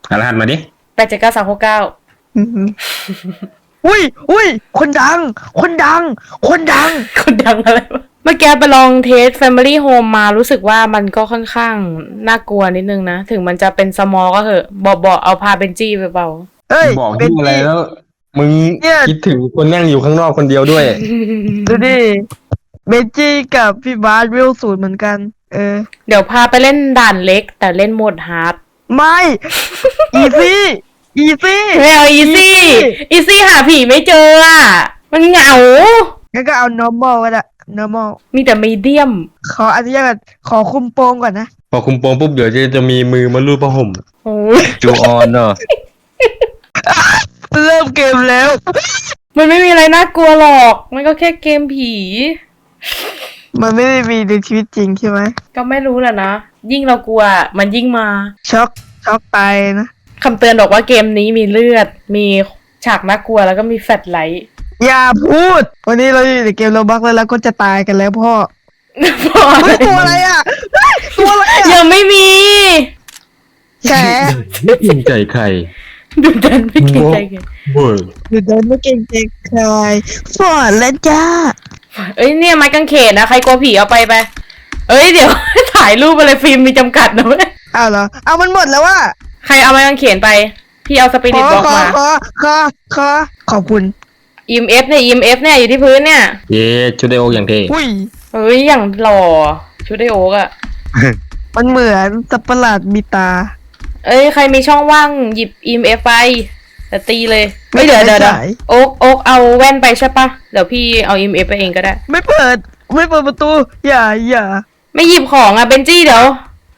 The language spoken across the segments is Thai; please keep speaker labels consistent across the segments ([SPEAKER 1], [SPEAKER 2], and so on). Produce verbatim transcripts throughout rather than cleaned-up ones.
[SPEAKER 1] รหัสมาดิ
[SPEAKER 2] แปดเจ็ดเก้าสามหกเก้า
[SPEAKER 3] อุ้ยอุ้ยคนดัง คนดัง คนดัง
[SPEAKER 2] คนดังอะไรวะเมื่อกี้ไปลองเทส Family Home มารู้สึกว่ามันก็ค่อนข้างน่ากลัวนิดนึงนะ ถึงมันจะเป็นสมอลก็เถอะบอกบอกเอาพาเบนจี้ไปเปล่า
[SPEAKER 3] เอ้ย
[SPEAKER 1] บอกที่อะไรแล้ว มึงคิดถึงคนนั่งอยู่ข้างนอกคนเดียวด้วย
[SPEAKER 3] ดูดิเบนจี้กับพี่บาสวิลสูตรเหมือนกัน เออ
[SPEAKER 2] เดี๋ยวพาไปเล่นด่านเล็กแต่เล่นโหมดฮาร์ด
[SPEAKER 3] ไม่อีซี่อีซี่
[SPEAKER 2] ไม่เอาอีซี่อีซี่หาผีไม่เจออ่ะมันเหงา
[SPEAKER 3] งั้นก็เอา normal ก็ได้ normal
[SPEAKER 2] มีแต่มีเดียม
[SPEAKER 3] ขออนุญาตขอคุมโปงก่อนนะ
[SPEAKER 1] พอคุมโปงปุ๊บเดี๋ยวจะจะมีมือมาลูบผ้าห่ม
[SPEAKER 4] จูออนเนอะ
[SPEAKER 3] เริ่มเกมแล้ว
[SPEAKER 2] มันไม่มีอะไรน่ากลัวหรอกมันก็แค่เกมผี
[SPEAKER 3] มันไม่ได้มีในชีวิตจริงใช่ไหม
[SPEAKER 2] ก็ไม่รู้แหละนะยิ่งเรากลัวมันยิ่งมา
[SPEAKER 3] ช็อกช็อกไปนะ
[SPEAKER 2] คำเตือนบอกว่าเกมนี้มีเลือดมีฉากน่ากลัวแล้วก็มีแฟลชไลท์
[SPEAKER 3] อย่าพูดวันนี้เราอยู่ในเกมโรบักแล้วเราก็จะตายกันแล้วพ่อพ่อตัวอะไรอ่ะตัวอะไรอ่ะ
[SPEAKER 2] ยังไม่มี
[SPEAKER 3] แฉ
[SPEAKER 1] ไม่เกรงใจใคร
[SPEAKER 2] ดูดันไม่เกรงใจใคร
[SPEAKER 3] ดูดันไม่เกรงใจใครฟอดแล้วจ้า
[SPEAKER 2] เอ้ยเนี่ยไม้กางเขนนะใครกลัวผีเอาไปไปเอ้ยเดี๋ยวถ่ายรูปอะไรฟิล์มมีจำกัดนะเว้ย
[SPEAKER 3] อ้าวเหรอเอามันหมดแล้วว่า
[SPEAKER 2] ใครเอาไม้กางเขนไปพี่เอาสปิริตบล็อกมา
[SPEAKER 3] ขอขอขอขอบคุณ
[SPEAKER 2] อี เอ็ม เอฟ เนี่ย อี เอ็ม เอฟ เนี่ยอยู่ที่พื้นเนี่ย
[SPEAKER 1] เย้ชุดไดโออย่างเท่
[SPEAKER 3] อุ้ย
[SPEAKER 2] เอ้ยอย่างหล่อชุดไดโอ๊กอะ
[SPEAKER 3] มันเหมือนสัตว์ประหลาดมีตา
[SPEAKER 2] เอ้ยใครมีช่องว่างหยิบ อี เอ็ม เอฟ ไปแต่ตีเลยไม่เดี๋ยวเดี๋ยวโอ๊กโอ๊กเอาแว่นไปใช่ปะเดี๋ยวพี่เอา อี เอ็ม เอฟ ไปเองก็ได้
[SPEAKER 3] ไม่เปิดไม่เปิดประตูอย่าอย่า
[SPEAKER 2] ไม่หยิบของอะเบนจี้เดี๋ยว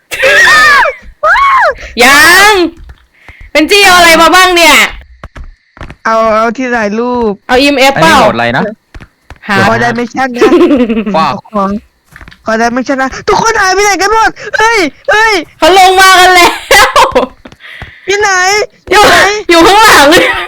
[SPEAKER 2] ยังเบนจี้เอาอะไรมาบ้างเนี่ย
[SPEAKER 3] เอาเอาที่ถ่ายรูป
[SPEAKER 2] เอา อี เอ็ม เอฟ เปล่า
[SPEAKER 4] อะไรนะ
[SPEAKER 3] หาขอได้ไม่ชั่นนะ
[SPEAKER 4] ว้าว
[SPEAKER 3] ขอได้ไม่ชั่นนะทุกคนหายไปไหนกันหมดเฮ้ยเฮ้ย
[SPEAKER 2] เขาลงมากันแล้ว
[SPEAKER 3] ที่ไหน
[SPEAKER 2] อยู่ไหนอยู่ข้างหลัง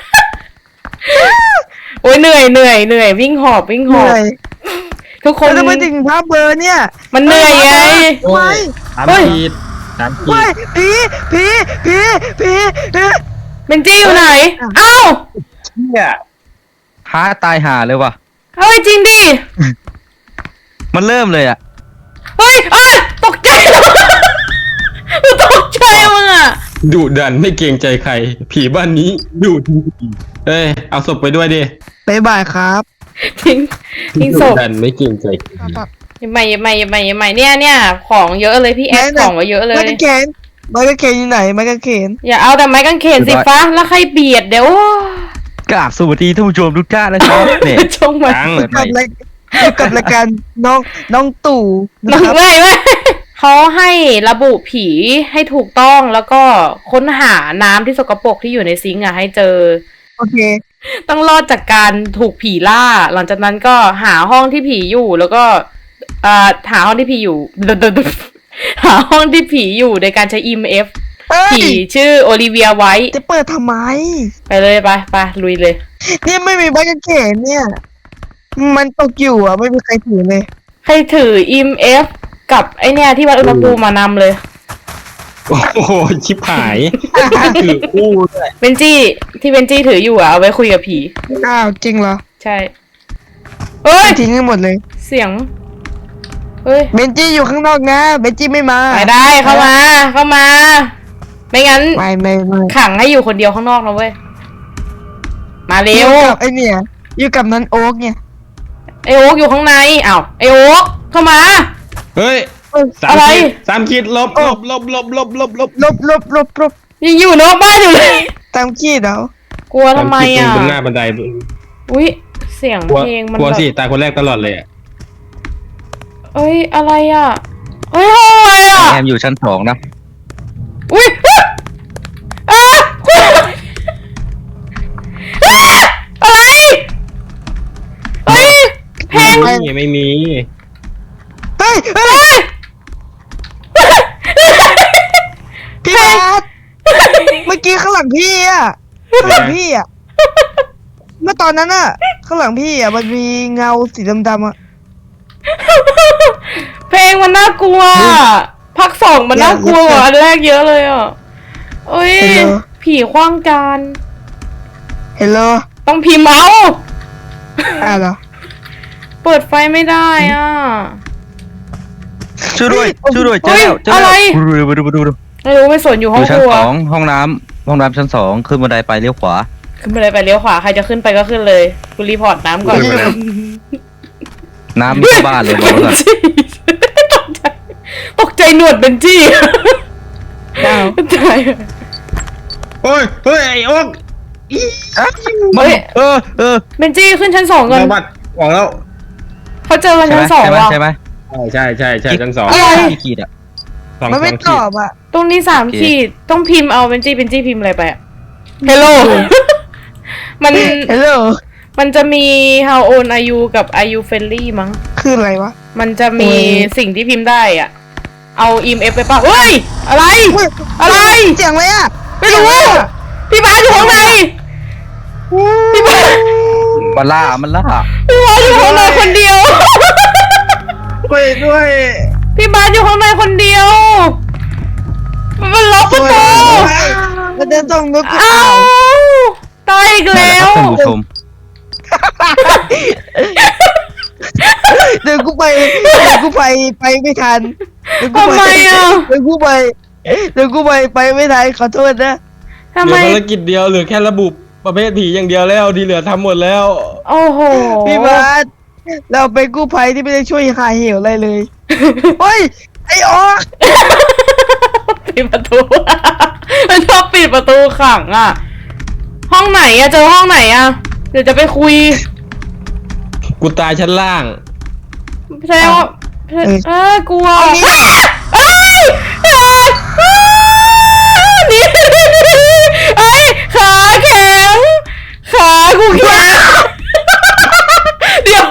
[SPEAKER 2] โอ้ยเหนื่อยเหนื่อยเหนื่อยวิ่งหอบวิ่งหอบทุกคน
[SPEAKER 3] จะไปถึงภาพเบอร์เนี่ย
[SPEAKER 2] มันเหนื่อยไง
[SPEAKER 1] โอ้ยสามขีดสามขีด
[SPEAKER 3] ผีผีผีผี
[SPEAKER 2] เบนจี้อยู่ไหนเอ้า
[SPEAKER 4] เนี่ยท้าตายห่าเลยว่ะ
[SPEAKER 2] เฮ้ยจริงดิ
[SPEAKER 4] มันเริ่มเลยอ่ะ
[SPEAKER 2] เฮ้ยเอ้ยตกใจตกใจมึงอ่ะ
[SPEAKER 1] ดุดันไม่เกรงใจใครผีบ้านนี้ดุจริงเอ้ยเอาศพไปด้วยดิ
[SPEAKER 3] บ๊ายบายครับ
[SPEAKER 2] ทิ้งทิ้งศพ
[SPEAKER 1] ดุดันไม่เกรงใจ
[SPEAKER 2] ใหม่ใหม่ใหม่ใหม่เนี่ยเนี่ยของเยอะเลยพี่แอดของก็เยอะเลย
[SPEAKER 3] ไม้กางเขนไม้กางเขนอยู่ไหนไม้กางเขน
[SPEAKER 2] อย่าเอาแต่ไม้กางเขนสิฟ้าแล้วใครเบียดเดี๋ยว
[SPEAKER 4] กราบสวัสดีท่านผู้ชมทุกท่านนะครับเนี่ย
[SPEAKER 2] ชงมา
[SPEAKER 3] กับรายกับรายการน้องน้องตู่
[SPEAKER 2] น้องไม่ไม่เขาให้ระบุผีให้ถูกต้องแล้วก็ค้นหาน้ำที่สกปรกที่อยู่ในซิงค์อ่ะให้เจอ
[SPEAKER 3] โอเค
[SPEAKER 2] ต้องรอดจากการถูกผีล่าหลังจากนั้นก็หาห้องที่ผีอยู่แล้วก็อ่าหาห้องที่ผีอยู่หาห้องที่ผีอยู่โดยการใช้ อี เอ็ม เอฟ ผีชื่อโอลิเวียไว้
[SPEAKER 3] จะเปิดทำไม
[SPEAKER 2] ไปเลยไปไปลุยเลย
[SPEAKER 3] นี่ไม่มีใบกางเขนเนี่ยมันตกอยู่อ่ะไม่มีใครถือเลย
[SPEAKER 2] ใครถือ อี เอ็ม เอฟ กับไอเนี่ยที่วัดอุณหภูมิมานำเลย
[SPEAKER 1] โอ้โหชิบหายถือคู่ด้วย
[SPEAKER 2] เบนจี้ที่เบนจี้ถืออยู่อ่ะเอาไว้คุยกับผี
[SPEAKER 3] อ้าวจริงเหรอ
[SPEAKER 2] ใช่เฮ้ย
[SPEAKER 3] ทิ้งให้หมดเลย
[SPEAKER 2] เสียงเฮ้ย
[SPEAKER 3] เบนจี้อยู่ข้างนอกนะเบนจี้ไม่มา
[SPEAKER 2] ไปได้เข้ามาเข้ามาไม่งั้น
[SPEAKER 3] ไม่ไม่ไม่
[SPEAKER 2] ขังให้อยู่คนเดียวข้างนอกนะเว้ยมาเร็ว
[SPEAKER 3] ไอเนี่ยอยู่กับนั้นโอ๊กเนี่ย
[SPEAKER 2] ไอโอ๊กอยู่ข้างในอ้าวไอโอ๊กเข้ามา
[SPEAKER 1] เฮ้ย
[SPEAKER 2] อะไร
[SPEAKER 1] สามขีดลบลบลบลบลบลบลบ
[SPEAKER 3] ลบลบลบลบ
[SPEAKER 2] ยังอยู่นอกบ้านอยู่เลย
[SPEAKER 3] สามขีดเหร
[SPEAKER 2] อกลัวทำไมอ่ะ
[SPEAKER 1] บนหน้าบันได
[SPEAKER 2] อุ้ยเสียงเพลงมัน
[SPEAKER 1] กลัวสิตายคนแรกตลอดเลย
[SPEAKER 2] เอ้ยอะไรอ่ะเอ้ยอะไรอ่ะ
[SPEAKER 4] แอมอยู่ชั้นสองนะ
[SPEAKER 2] อุ้ยอ่ะอะไรเฮ้ยเพลง
[SPEAKER 1] ไม่มี
[SPEAKER 3] เฮ้ยเฮ้ยพี่บาสเมื่อกี้ข้างหลังพี่อ่ะข้างหลังพี่อ่ะเมื่อตอนนั้นอ่ะข้างหลังพี่อ่ะมันมีเงาสีดำๆอ่ะ
[SPEAKER 2] เพลงมันน่ากลัวภาคสองมันน่ากลัวกว่าอันแรกเยอะเลยอ่ะเอ้ยผีขว้างจาน
[SPEAKER 3] เฮลโล
[SPEAKER 2] ต้องพิมพ์เอา
[SPEAKER 3] อ่ะเหรอ
[SPEAKER 2] เปิดไฟไม่ได้อ่ะ
[SPEAKER 4] ช่วยด้วยช่วยด้วยเจอแล้วเจอ
[SPEAKER 2] อะไร
[SPEAKER 4] แล้วดูดูดูดูดู
[SPEAKER 2] ไม่รู้ไม่สนอยู่
[SPEAKER 4] อ
[SPEAKER 2] ห้อง
[SPEAKER 4] ยู่
[SPEAKER 2] ค
[SPEAKER 4] ชั้น
[SPEAKER 2] รัว
[SPEAKER 4] สองห้องน้ำห้องน้ำชั้นสองขึ้นบันไดไปเลี้ยวขวา
[SPEAKER 2] ขึ้นไปเลยไปเลี้ยวขวาใครจะขึ้นไปก็ขึ้นเลยกูรีพอร์ตน้ำก่อน
[SPEAKER 1] ขึ้นไปเลย
[SPEAKER 4] น้ำมีเข้าบ้านเลยบอกไว้ก่อน
[SPEAKER 2] ตกใจตกใจหนวดเบนจี้
[SPEAKER 3] อ้าว
[SPEAKER 2] ตาย
[SPEAKER 1] โอ้ยเฮ้ยไอ้โอ๊ก
[SPEAKER 2] เฮ้ย
[SPEAKER 4] เออเออ
[SPEAKER 2] เบนจี้ขึ้นชั้นสองก่อน
[SPEAKER 1] เราบัดหวังแล้ว
[SPEAKER 2] เขาเจอกัน
[SPEAKER 4] ใช่ไหม
[SPEAKER 2] ชั้นสอง
[SPEAKER 4] ใช่ไหม
[SPEAKER 2] ว่ะ
[SPEAKER 4] ใช่ไหม
[SPEAKER 1] ใช่ใช่ใช่ชั้นสอง
[SPEAKER 2] อะไร
[SPEAKER 4] กี่ขีดอ่ะ
[SPEAKER 1] สอง
[SPEAKER 3] มัน
[SPEAKER 1] ส
[SPEAKER 3] ไม่
[SPEAKER 1] อง
[SPEAKER 3] ต
[SPEAKER 1] ขี
[SPEAKER 3] อ
[SPEAKER 1] ด
[SPEAKER 3] บอ่ะ
[SPEAKER 2] ตรงนี้สาม
[SPEAKER 4] โอเค
[SPEAKER 2] ขีดต้องพิมพ์เอาเบนจี้เบนจี้พิมพ์อะไรไปอะ Hello มัน
[SPEAKER 3] เฮลโล
[SPEAKER 2] มันจะมี how old are you กับ are you friendly มั้ง
[SPEAKER 3] คืออะไรวะ
[SPEAKER 2] มันจะมี
[SPEAKER 3] โอ้ย
[SPEAKER 2] สิ่งที่พิมพ์ได้อ่ะ เอา อี เอ็ม เอฟ ไปป่ะเฮ้ย อะไร อะไร
[SPEAKER 3] เสียงอะไรอ่ะ
[SPEAKER 2] ไม่รู้ พี่บาสอยู่ข้างใน พี่บาส
[SPEAKER 4] มันล่ามันล่า
[SPEAKER 2] พี่บาสอยู่ข้างในคนเดียว
[SPEAKER 1] ช่วยด้วย
[SPEAKER 2] พี่บาสอยู่ข้างในคนเดียว มันล็อกประตู
[SPEAKER 3] มันจะส่งนกกู
[SPEAKER 2] อ้า
[SPEAKER 3] อ้าว ว
[SPEAKER 2] ตายอีก
[SPEAKER 4] นั่นแห
[SPEAKER 2] แล้
[SPEAKER 4] ละคว รับท่านผู้ชม
[SPEAKER 3] เดี๋ยวกูไปเดี๋ยวกูไปไปไม่ทันเดี๋ยวกู
[SPEAKER 2] ทำ
[SPEAKER 3] ไป
[SPEAKER 2] ไมอ่ะ
[SPEAKER 3] เดี๋ยวกูไปเดี๋ยวกูไปไปไม่ทันขอโทษนะ
[SPEAKER 2] ทำ
[SPEAKER 1] เหลื
[SPEAKER 2] ไม
[SPEAKER 1] อภารกิจเดียวเหลือแค่ระบุประเภทผีอย่างเดียวแล้วที่เหลือทำหมดแล้ว
[SPEAKER 2] โอ้โห
[SPEAKER 3] พี่บาสเราเป็นกู้ภัยที่ไม่ได้ช่วยหาเหวอะไรเลยเฮ้ยไอ้ออก
[SPEAKER 2] ปิดประตู มันชอบปิดประตูขังอ่ะ ห้องไหนอะเจอห้องไหนอะเดี๋ยวจะไปคุย
[SPEAKER 1] กูตายชั้นล่าง
[SPEAKER 2] แสดงว่าเออกลัว
[SPEAKER 3] เอานี้
[SPEAKER 2] เอ้ยเอ้ยหนี่เอ้ยขาแข็งขากูแข็งเดี๋ยว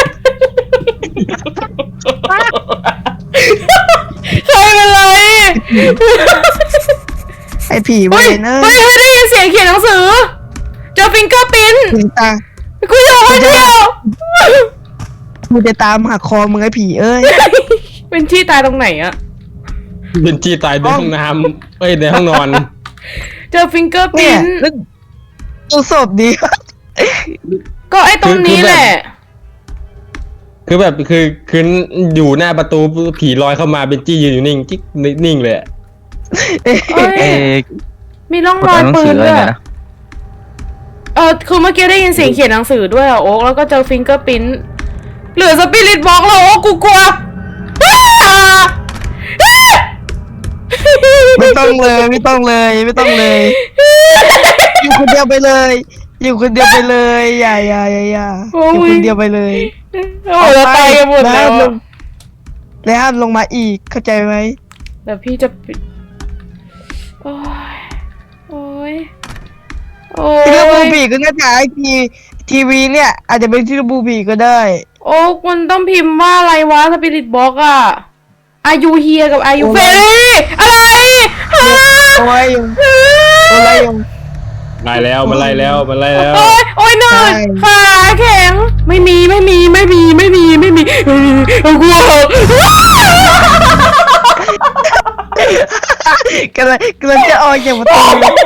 [SPEAKER 2] ใครเป็นไร
[SPEAKER 3] ไอ้ผีเว
[SPEAKER 2] เฮ้ย
[SPEAKER 3] นเนอ
[SPEAKER 2] เฮ้ย
[SPEAKER 3] ร์
[SPEAKER 2] เฮ้ยได้ยินเสียงเขียนหนังสือ เจอฟิงเกอร์ปิ้น
[SPEAKER 3] ถึงตา
[SPEAKER 2] กูจะมาเที่ยว
[SPEAKER 3] กูจะตามหาคอมึงไอ้ผีเอ้ย
[SPEAKER 2] เป็นที่ตายตรงไหนอะ
[SPEAKER 1] เป็นจี้ตายในห้องน้ำเอ้ยในห้องนอน
[SPEAKER 2] เจอฟิงเกอร์
[SPEAKER 3] เนี่
[SPEAKER 2] ปิ้
[SPEAKER 3] ย
[SPEAKER 2] น
[SPEAKER 3] แล้วดูศพดี
[SPEAKER 2] ก็ไอ้ตรงนี้แหละ
[SPEAKER 1] คือแบบคือคืออยู่หน้าประตูผีลอยเข้ามาเป็นจี้ยืนอยู่นิ่งจิ๊กนิ่งเลยอะ
[SPEAKER 2] เอ้ย
[SPEAKER 4] เอ๊ะ
[SPEAKER 2] มีร่อง
[SPEAKER 4] กด
[SPEAKER 2] รอย
[SPEAKER 4] อ่านหนัง
[SPEAKER 2] ปื
[SPEAKER 4] สือน อะไร
[SPEAKER 2] ด้วย
[SPEAKER 4] เนี่ยนะ
[SPEAKER 2] เออคือเมื่อกี้ได้ยินเสียงเขียนหนังสือด้วยอะโอ๊กแล้วก็เจอฟิงเกอร์ปิ้นเหลือสปิริตบ็อกแล้วโอ๊กกูกลัวอ้าอ้า
[SPEAKER 3] ไม่ต้องเลยไม่ต้องเลยไม่ต้องเลย อยู่คนเดียวไปเลย อยู่คนเดียวไปเลยอย่าอย่าอย่าอย่าอยู่คนเดียวไปเลย
[SPEAKER 2] โอ้ยเราตายกันหมดแล้ว
[SPEAKER 3] ห้ามล
[SPEAKER 2] อะ
[SPEAKER 3] งและห้ามลงมาอีกเข้าใจไหม
[SPEAKER 2] แต่พี่จะปิดโอ้ยโอ้ยโอ้
[SPEAKER 3] ที่ระบู
[SPEAKER 2] ย
[SPEAKER 3] บีก็น่าจะไอทีทีวีเนี่ย อาจจะเป็นที่ระบูบีก็ได้
[SPEAKER 2] โอ๊กมันต้องพิมพ์ว่าอะไรวะสปิริตบ็อกอะอายุเฮียกับอายุ
[SPEAKER 3] โอ้
[SPEAKER 2] เฟ
[SPEAKER 3] ย
[SPEAKER 2] รี่อะไรฮะ
[SPEAKER 3] โอ้ยยุงโอ้ยยุง
[SPEAKER 1] ไล่แล้วมันไล่แล้วมันไล่แล้ว
[SPEAKER 2] โอ้ยโอ้ยเหนื่อย
[SPEAKER 3] ใช่
[SPEAKER 2] ขาแข็งไม่มีไม่มีไม่มีไม่มีไม่มีไม่มีเอากลัว
[SPEAKER 3] กำลังกำลังจะออกจากประตู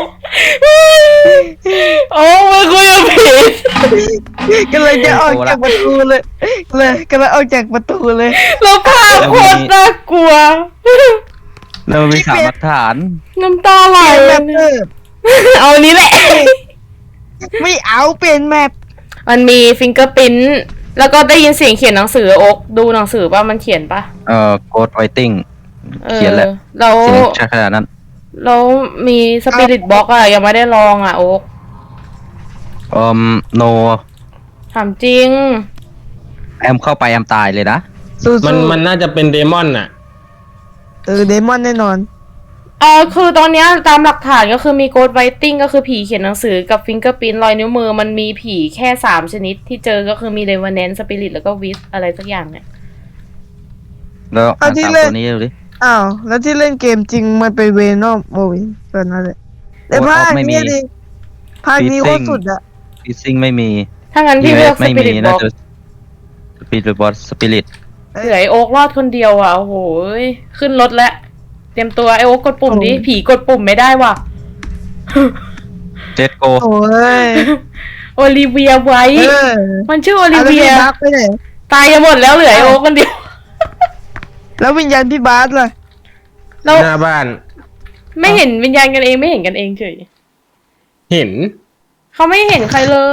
[SPEAKER 2] โอ้มันคุยกับผี
[SPEAKER 3] กำลังจะออกจากประตูเลยเลยกำลังออกจากประตูเลย
[SPEAKER 2] แล้วภาพโคตรน่ากลัว
[SPEAKER 4] แล้วมันมีสามหลักฐาน
[SPEAKER 2] น้ำตาไหล
[SPEAKER 3] เปลี่ยนแมปเออ
[SPEAKER 2] เอาอันนี้แหละ
[SPEAKER 3] ไม่เอาเปลี่ยนแมป
[SPEAKER 2] มันมีฟิงเกอร์พิ้นแล้วก็ได้ยินเสียงเขียนหนังสือโอ๊กดูหนังสือป่ะมันเขียนป่ะ
[SPEAKER 4] เอ่อโกดไวติ้ง
[SPEAKER 2] ออ
[SPEAKER 4] เขียนแหละ
[SPEAKER 2] แล้ว
[SPEAKER 4] เสียงชัดขนาดนั้น
[SPEAKER 2] แล้วมีสปิริตบ็อกอะยังไม่ได้ลองอะโอ๊ก
[SPEAKER 4] เอ่อโน
[SPEAKER 2] ถามจริง
[SPEAKER 4] แอมเข้าไปแอมตายเลยนะ
[SPEAKER 3] สู้
[SPEAKER 1] มันมันน่าจะเป็นเดมอนน่ะ
[SPEAKER 3] เออเดมอนแน่นอน
[SPEAKER 2] เออคือตอนเนี้ยตามหลักฐานก็คือมีโกดไวติ้งก็คือผีเขียนหนังสือกับฟิงเกอร์พิ้นรอยนิ้วมือมันมีผีแค่สามชนิดที่เจอก็คือมีเดวานแนนสปิริตแล้วก็วิสอะไรสักอย่างเนี่ย
[SPEAKER 4] แล้วอ่าน
[SPEAKER 3] เอาที่
[SPEAKER 4] สาม
[SPEAKER 3] เล่น
[SPEAKER 4] ตัวนี้ดูดิ
[SPEAKER 3] อ้าวแล้วที่เล่นเกมจริงมันเป็นเวนอมโอ้ยตอนนั้นเลยแต่ภาคนี้ดิภาคนี้โคตรสุดอะ
[SPEAKER 4] ฟิซซิ่งไม่มี
[SPEAKER 2] ถ้างั้นพี่เลือกส
[SPEAKER 4] ไม่
[SPEAKER 2] ปิ
[SPEAKER 4] มี
[SPEAKER 2] ริตบ็
[SPEAKER 4] น่า
[SPEAKER 2] อก
[SPEAKER 4] จะสปิริตบอสสปิริต
[SPEAKER 2] เหลือไอโอ๊กรอดคนเดียวอ่ะโอ้โหยขึ้นรถแล้วเตรียมตัวไอโอ๊กกดปุ่มดิผีกดปุ่มไม่ได้ว่ะ
[SPEAKER 4] เจ็ดโก
[SPEAKER 3] โอ้ย
[SPEAKER 2] โอลิเวียไว้
[SPEAKER 3] เออ
[SPEAKER 2] มันชื่อโอลิ
[SPEAKER 3] เอาแล้ว
[SPEAKER 2] เวี
[SPEAKER 3] พี่
[SPEAKER 2] ย
[SPEAKER 3] บาสไปไหน
[SPEAKER 2] ตายกันหมดแล้วเหลือไอโอคนเดียว
[SPEAKER 3] แล้ววิญญาณพี่บาสล่ะ
[SPEAKER 2] เรา
[SPEAKER 1] หน้าบ้าน
[SPEAKER 2] ไม่เห็นวิญญาณกันเองไม่เห็นกันเองเฉย
[SPEAKER 1] เห็น
[SPEAKER 2] เขาไม่เห็นใครเลย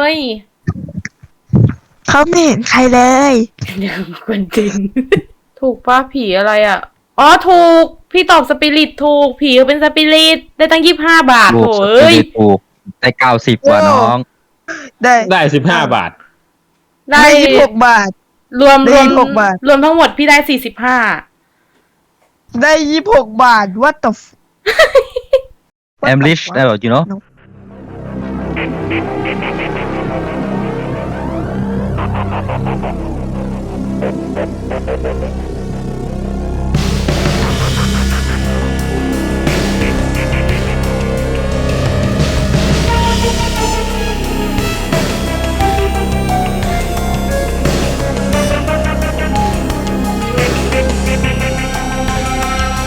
[SPEAKER 3] เขาไม่เห็นใครเลย
[SPEAKER 2] เดี๋ยวคนจริง ถูกป้าผีอะไรอ่ะ อ๋อถูก พี่ตอบสปิริตถูก ผีเขาเป็นสปิริตได้ตั้งยี่สิบห้าบาท
[SPEAKER 4] ลู
[SPEAKER 2] โถ
[SPEAKER 4] กส
[SPEAKER 2] เอ้ย
[SPEAKER 4] ปิริตถูกได้เก้าสิบกว่าน้อง
[SPEAKER 3] ได้
[SPEAKER 1] ได้สิบห้าบาท
[SPEAKER 2] ได้
[SPEAKER 3] ได้ยี่สิบหกบาท
[SPEAKER 2] รวม
[SPEAKER 3] ได้
[SPEAKER 2] รวม
[SPEAKER 3] ยี่สิบหกบาท
[SPEAKER 2] รวมทั้งหมดพี่ได้สี่สิบห้า
[SPEAKER 3] ได้ยี่สิบหกบาท what the f-
[SPEAKER 4] I'm rich
[SPEAKER 3] What the
[SPEAKER 4] uh, you know
[SPEAKER 3] No.